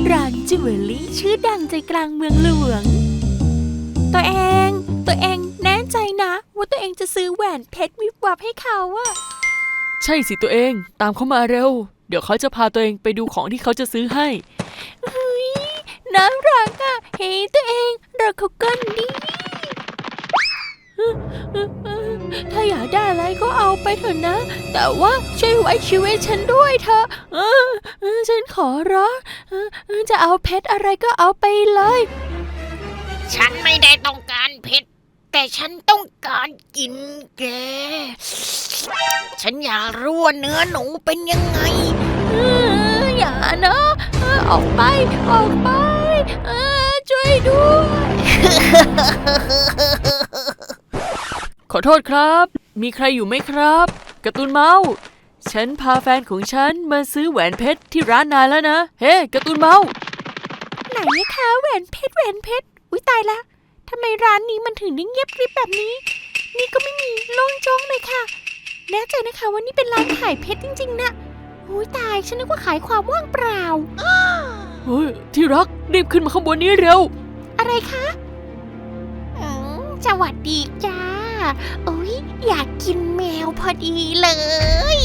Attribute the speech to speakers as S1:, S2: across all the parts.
S1: ร้านจิวเวลรี่ชื่อดังใจกลางเมืองหลวงตัวเองแน่ใจนะว่าตัวเองจะซื้อแหวนเพชรวิบวับให้เขาอะ
S2: ใช่สิตัวเองตามเขามาเร็วเดี๋ยวเขาจะพาตัวเองไปดูของที่เขาจะซื้อให้
S1: เฮ้ยน่ารักอะเฮ้ตัวเองเราเขากันดิถ้าอยากได้อะไรก็เอาไปเถอะนะแต่ว่าช่วยไว้ชีวิตฉันด้วยเถอะฉันขอร้องจะเอาเพชรอะไรก็เอาไปเลย
S3: ฉันไม่ได้ต้องการเพชรแต่ฉันต้องการกินแกฉันอยากรู้ว่าเนื้อหนูเป็นยังไง
S1: อย่านะออกไปช่วยด้วย
S2: ขอโทษครับมีใครอยู่ไหมครับการ์ตูนเมาส์ฉันพาแฟนของฉันมาซื้อแหวนเพชรที่ร้านนายแล้วนะเฮ้การ์ตูนเมาส์
S1: ไหนคะแหวนเพชรอุ๊ยตายละทำไมร้านนี้มันถึงได้เงียบกริบแบบนี้นี่ก็ไม่มีโล่งโจ้งเลยค่ะแน่ใจนะคะว่านี่เป็นร้านขายเพชรจริงๆนะอุ๊ยตายฉันนึกว่าขายความว่างเปล่า
S2: เฮ้ยที่รักรีบขึ้นมาข้างบนนี้เร็ว
S1: อะไรคะสวัสดีจ้าโอ้ยอยากกินแมวพอดีเลย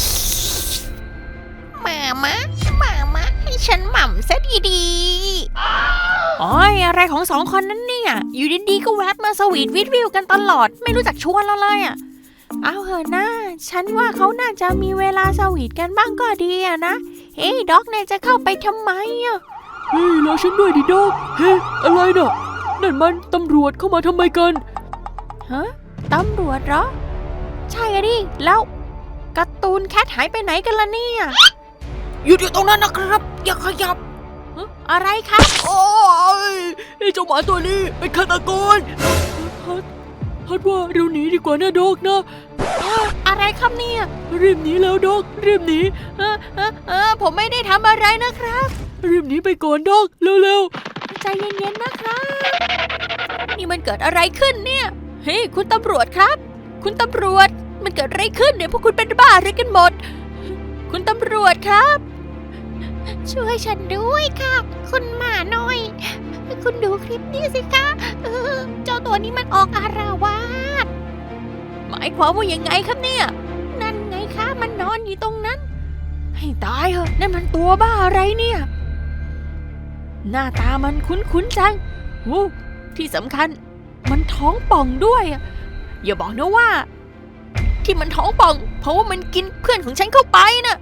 S3: มาให้ฉันหม่ำซะดี
S1: ๆอ๋ออะไรของสองคนนั้นเนี่ยอยู่ดีๆก็แวบมาสวีทวิวกันตลอดไม่รู้จักชวนเราเลยอ่ะเอาเหอะนะฉันว่าเขาน่าจะมีเวลาสวีทกันบ้างก็ดีอะนะเฮ้ยด็อกเนี่ยจะเข้าไปทำไมอ่ะ
S2: เฮ้ยรอฉันด้วยดิด็อกเฮ้ยอะไรน่ะนั่นมันตำรวจเข้ามาทำไมกัน
S1: ฮะตำรวจเหรอใช่อะดิแล้วการ์ตูนแคทหายไปไหนกันล่ะเนี่ย
S3: อยู่ตรงนั้นนะครับอย่าขยับ
S1: อะไรครับ
S2: โอ้ยเจ้าหมาตัวนี้เป็นฆาตกรฮัดว่าเราหนีดีกว่านะด็อกนะ
S1: อะไรครับเนี่ย
S2: รีบหนีแล้วด็อกรีบหนี
S1: ผมไม่ได้ทำอะไรนะครับ
S2: รีบหนีไปก่อนด็อกเร็ว
S1: ๆใจเย็นๆนะครับนี่มันเกิดอะไรขึ้นเนี่ยเฮ้ยคุณตำรวจครับคุณตำรวจมันเกิดอะไรขึ้นเนี่ยพวกคุณเป็นบ้าอะไรกันหมดคุณตำรวจครับช่วยฉันด้วยค่ะคุณหมาน้อยคุณดูคลิปนี้สิคะเจ้าตัวนี้มันออกอารวาสหมายความว่ายังไงครับเนี่ยนั่นไงคะมันนอนอยู่ตรงนั้นให้ตายเหอะนั่นมันตัวบ้าอะไรเนี่ยหน้าตามันคุ้นๆจังที่สำคัญมันท้องป่องด้วยอย่าบอกนะว่าที่มันท้องป่องเพราะว่ามันกินเพื่อนของฉันเข้าไปน่ะ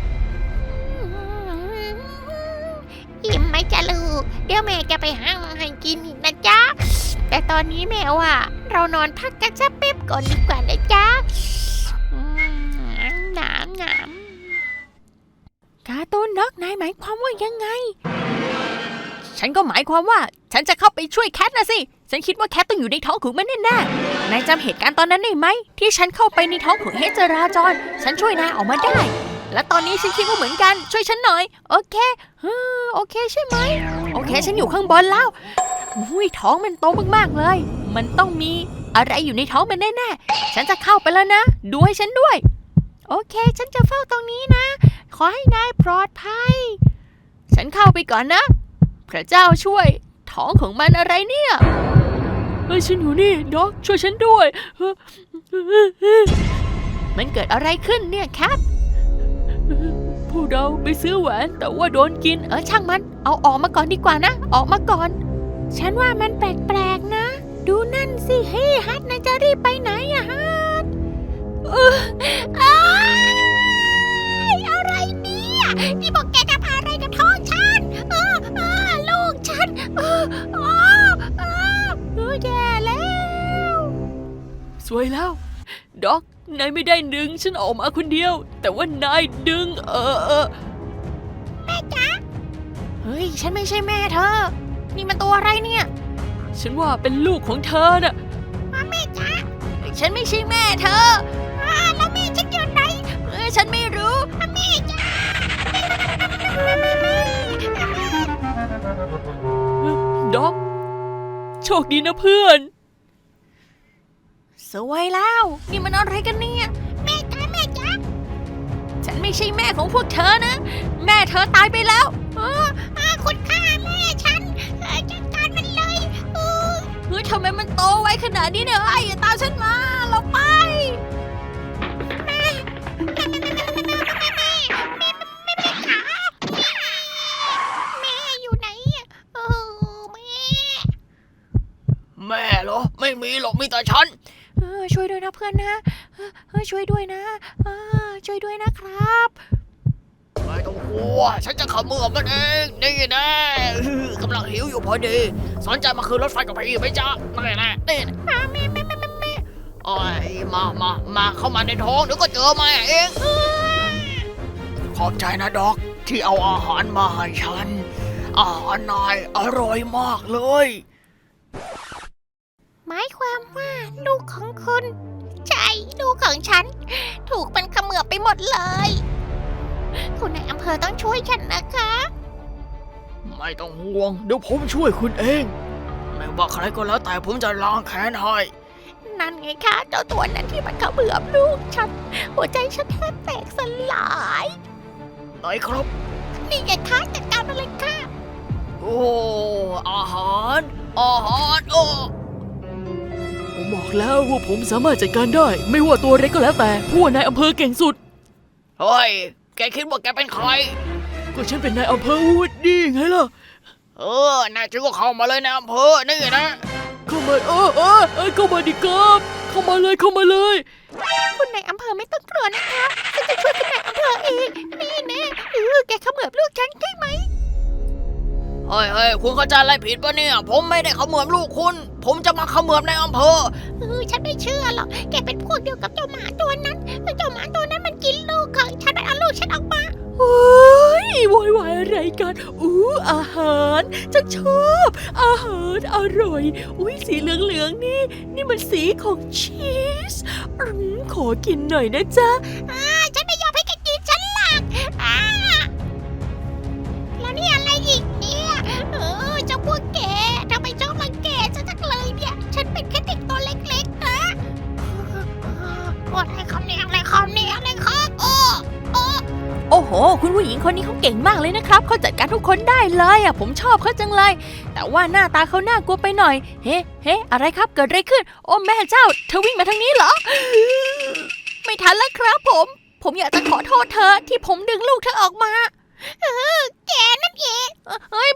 S3: อิ่มไหมจ๊ะลูกเดี๋ยวแม่จะไปหาให้กินอีกนะจ๊ะแต่ตอนนี้แม่ว่าเรานอนพักกันสักแป๊บก่อนดีกว่านะจ๊ะหนาม
S1: การ์ตูนด็อกนายหมายความว่ายังไงฉันก็หมายความว่าฉันจะเข้าไปช่วยแคทนะสิฉันคิดว่าแคทต้องอยู่ในท้องของมันแน่ๆนายจำเหตุการณ์ตอนนั้นได้ไหมที่ฉันเข้าไปในท้องของเฮจราจรฉันช่วยนายออกมาได้และตอนนี้ฉันคิดว่าเหมือนกันช่วยฉันหน่อยโอเคใช่ไหมโอเคฉันอยู่ข้างบนแล้วท้องมันโตมากๆเลยมันต้องมีอะไรอยู่ในท้องมันแน่ๆฉันจะเข้าไปแล้วนะดูให้ฉันด้วยโอเคฉันจะเฝ้าตรงนี้นะขอให้นายปลอดภัยฉันเข้าไปก่อนนะพระเจ้าช่วยท้องของมันอะไรเนี่ย
S2: ฉันอยู่นี่ด็อกช่วยฉันด้วย
S1: มันเกิดอะไรขึ้นเนี่ยแคท
S2: พวกเราไปซื้อแหวนแต่ว่าโดนกิน
S1: ช่างมันเอาออกมาก่อนดีกว่านะออกมาก่อนฉันว่ามันแปลกๆนะดูนั่นสิเฮ้ฮัทนายจะรีบไปไหนอะฮัท
S3: อะไรเนี่ยนี่บอกแกจะพาอะไรกับท้องฉันลูกฉัน
S1: แย่แล้ว
S2: สวยแล้วด็อกนายไม่ได้ดึงฉันออกมาคนเดียวแต่ว่านายดึง
S3: แม่จ๊ะ
S1: เฮ้ยฉันไม่ใช่แม่เธอนี่มันตัวอะไรเนี่ย
S2: ฉันว่าเป็นลูกของเธอน่ะ
S3: แม่จ๊ะ
S1: ฉันไม่ใช่แม่เธอ
S3: แล้วแม่ฉันอยู่ไหน
S1: ฉันไม่รู้
S3: แม่จ๊ะ
S2: ด็อกโชคดีนะเพื่อน
S1: สวยแล้วนี่มันอะไรกันเนี่ย
S3: แม่จ๊ะ
S1: ฉันไม่ใช่แม่ของพวกเธอนะแม่เธอตายไปแล้ว
S3: คุณ
S1: นาดนี้เนี่ยอย่าตามฉันมาเราไป
S3: แม่อยู่ไหนอะแม่
S2: แม่เหรอ ไม่มีหรอกมีแต่ฉัน
S3: ช่วยด้วยนะเพื่อนนะช่วยด้วยนะช่วยด้วยนะครับ
S2: ไม่ต้องกลัวฉันจะเขมือบมันเองนี่นะกำลังหิวอยู่พอดีสนใจมาคืนรถไฟกับพี่ไหมจ๊ะนี่นะนี่นะ
S3: แม่
S2: โอ้ยมาเข้ามาในท้องเดี๋ยวก็เจอมาเองขอบใจนะด็อกที่เอาอาหารมาให้ฉันอาหารนายอร่อยมากเลย
S3: หมายความว่าลูกของคุณใช่ลูกของฉัน ถูกมันเขมือบไปหมดเลย คุณนายอำเภอต้องช่วยฉันนะคะ
S2: ไม่ต้องห่วงเดี๋ยวผมช่วยคุณเองไม่ว่าใครก็แล้วแต่ผมจะล้างแค้นให้
S3: นั่นไงคะเจ้าตัวนั้นที่มันเขมือบลูกฉันหัวใจฉันแทบแตกสลาย
S2: ไหนครับ
S3: นี่ไงคะจัดการมาเลยค่ะ
S2: โอ้อาหารโอ้ผมบอกแล้วว่าผมสามารถจัดการได้ ไม่ว่าตัวเล็กก็แล้วแต่ผู้ว่านายอำเภอเก่งสุดเฮ้ยแกคิดว่าแกเป็นใครก็ฉันเป็นนายอำเภอวูดดี้ไงล่ะนายจึงก็เข้ามาเลยนายอำเภอนี่นะเข้ามาเข้ามาดิครับเข้ามาเลย
S3: คุณนายอำเภอไม่ต้องกลัวนะคะฉันจะช่วยคุณนายอำเภอเองนี่แน่แกเขมือบลูกฉันใช่ไหม
S2: เฮ้ยคุณเข้าใจอะไรผิดปะเนี่ยผมไม่ได้เขมือบลูกคุณผมจะมาเขมือบในอำเภอ
S3: ฉันไม่เชื่อหรอกแกเป็นพวกเดียวกับเจ้าหมาตัวนั้นเจ้าหมาตัวนั้นมันกินลูกของฉันเอาลูกฉันออกมา
S1: โอ้ยโวยวายอะไรกันอาหารฉันชอบอาหารอร่อยสีเหลืองๆนี่มันสีของชีสขอกินหน่อยนะจ๊ะ
S3: ฉันไม่ยอมให้แกกินฉันหรอกแล้วนี่อะไรอีกเนี่ยเจ้าพวกแกทำไมชอบรังแกฉันจังเลยเนี่ยฉันเป็นแค่เด็กตัวเล็กๆนะอะไรคำนี้อะไรคำนี้อะไรครับ
S1: โอ้โหคุณผู้หญิงคนนี้เขาเก่งมากเลยนะครับเขาจัดการทุกคนได้เลยผมชอบเขาจังเลยแต่ว่าหน้าตาเขาน่ากลัวไปหน่อยเฮ้อะไรครับเกิดอะไรขึ้นโอ้แม่เจ้าเธอวิ่งมาทางนี้เหรอไม่ทันแล้วครับผมอยากจะขอโทษเธอที่ผมดึงลูกเธอออกมา
S3: แกนั่นเอง